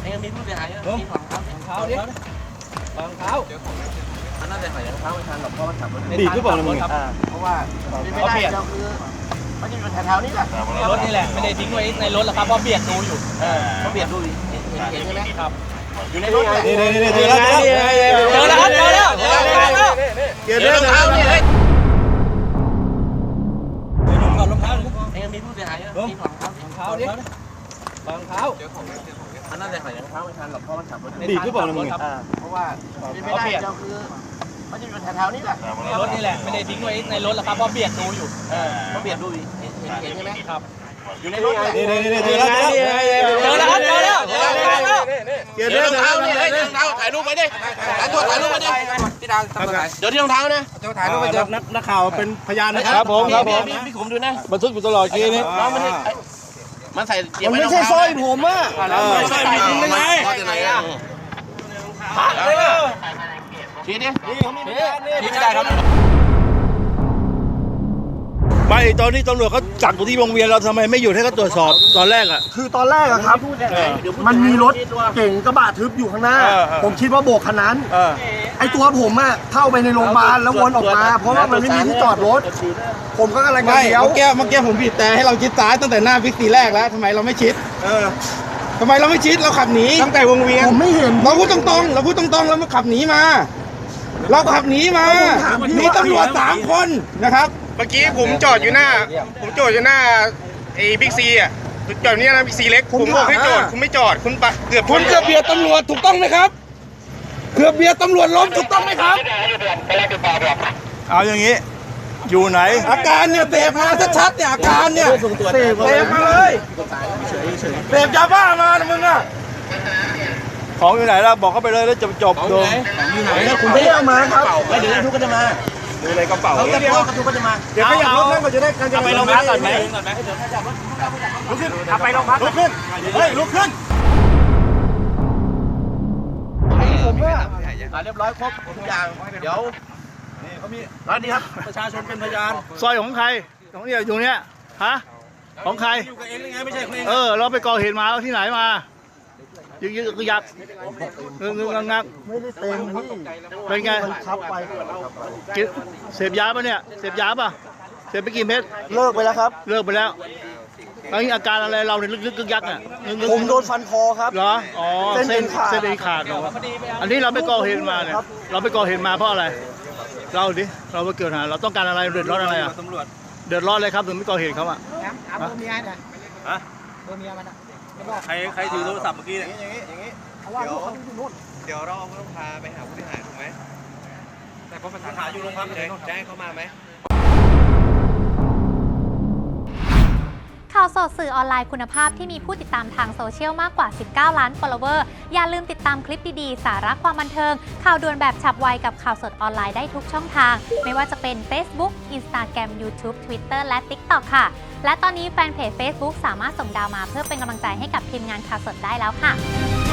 ยังมีผู้เสียหายมีของเท้าดิของเท้ามันน่าจะใส่รองเท้าไม่ทันหรอกเพราะมันขับรถดีขึ้นเปล่ามึงเพราะว่าไม่ได้เราคือมันจะอยู่แถวๆนี้แหละรถนี่แหละไม่ได้ทิ้งไว้ในรถหรอกครับเพราะเบียดดูอยู่เขาเบียดดูเห็นใช่ไหมครับอยู่ในรถนี่เจอแล้วครับเจอแล้วเจอรองเท้านี่เลยถอดรองเท้ายังมีผู้เสียหายมีของเท้าดิรองเท้ามันน่าจะใส่รองเท้าไม่ทันหรอกเพราะมันขับรถดีขึ้นเปล่ามึงเพราะว่าไม่ได้เราคือมันจะอยู่แถวๆนี้แหละรถนี่แหละไม่ได้ทิ้งไว้ในรถหรอกครับเพราะเบียดดูอยู่เขาเบียดดูเห็นใช่ไหมครับอยู่ในรถนี่เจอแล้วครับเจอแล้วเจอรองเท้านี่เลยรองเท้าถ่ายรูปไว้ดิถ่ายรูปไว้ดิพี่ดังเดี๋ยวที่รองเท้านะถ่ายรูปไปเจอนักข่าวเป็นพยานนะครับผมพี่ขุมดูนะบันทึกอยู่ตลอดกี้นี้มันใส่มันไม่ใช่สร้อยผมอ่ะสร้อยมีจริงได้ไงชี้ดิชี้ไม่ได้ครับไม่ตอนนี้ตำรวจเขาจับอยู่ที่วงเวียนเราทำไมไม่หยุดให้เขาตรวจสอบตอนแรกอ่ะคือตอนแรกอะครับมันมีรถเก่งกระบะทึบอยู่ข้างหน้าผมคิดว่าโบกคันนั้นไอตัวผมอะเข้าไปในโรงพยาบาลแล้ววนออกมาเพราะว่ามันไม่มีที่จอดรถผมก็กำลังจะเลี้ยวเมื่อกี้ผมบีบแต่ให้เราชิดซ้ายตั้งแต่หน้าบิ๊กซีแรกแล้วทำไมเราไม่ชิดทำไมเราไม่ชิดเราขับหนีตั้งแต่วงเวียนผมไม่เห็นเราพูดตรงๆเรามาขับหนีมาเราขับหนีมามีตำรวจ3 คนนะครับเมื่อกี้ผมจอดอยู่หน้าไอ้บิ๊กซีอ่ะจอดนี่นะบิ๊กซีเล็กผมบอกให้จอดคุณไม่จอดคุณเกือบเบียดตำรวจถูกต้องไหมครับเกือบเบียดตำรวจล้มถูกต้องไหมครับเอาอย่างนี้อยู่ไหนอาการเนี่ยเสพมาชัดๆเนี่ยอาการเนี่ยเสพมาเลยเสพยาบ้ามานะมึงอะของอยู่ไหนล่ะบอกเขาไปเลยแล้วจบอยู่ไหนคุณไม่เอามาครับเดี๋ยวทุกคนจะมาดูในกระเป๋าเขาจะพ่อกระทุกก็จะมาเดี๋ยวขยับรถนั่นก็จะได้การจะไปโรงพักก่อนไหมลุกขึ้นไปโรงพักลุกขึ้นเฮ้ยลุกขึ้นผมว่าเรียบร้อยครบทุกอย่างเดี๋ยวนี่เขามีร้านนี้ครับประชาชนเป็นพยานซอยของใครของเนี่ยอยู่เนี้ยฮะของใครอยู่กับเองยังไงไม่ใช่ของเองเราไปก่อเหตุมาที่ไหนมายึกยักงักไม่ได้เต็มที่เป็นไงขับไปเสพยาป่ะเนี่ยเสพยาป่ะเสพไปกี่เม็ดเลิกไปแล้วครับเลิกไปแล้วตอนนี้อาการอะไรเราเนี่ยลึกยักเนี่ยผมโดนฟันคอครับเหรออ๋อเส้นขาดเหรออันนี้เราไปก่อเหตุมาเนี่ยเราไปก่อเหตุมาเพราะอะไรเราดิเราไปเกิดหาเราต้องการอะไรเดือดร้อนอะไรอ่ะเดือดร้อนเลยครับถึงไม่ก่อเหตุเขาอ่ะตัวเมียเนี่ยตัวเมียมันใครถือโทรศัพท์เมื่อกี้เนี่ยอย่างนี้เดี๋ยวเราต้องพาไปหาผู้เสียหายถูกไหมแต่พอปัญหาอยู่โรงพักแจ้งเขามาไหมข่าวสดสื่อออนไลน์คุณภาพที่มีผู้ติดตามทางโซเชียลมากกว่า19 ล้าน follower อย่าลืมติดตามคลิปดีๆสาระความบันเทิงข่าวด่วนแบบฉับไวกับข่าวสดออนไลน์ได้ทุกช่องทางไม่ว่าจะเป็น Facebook Instagram YouTube Twitter และ TikTok ค่ะและตอนนี้แฟนเพจ Facebook สามารถส่งดาวมาเพื่อเป็นกำลังใจให้กับทีมงานข่าวสดได้แล้วค่ะ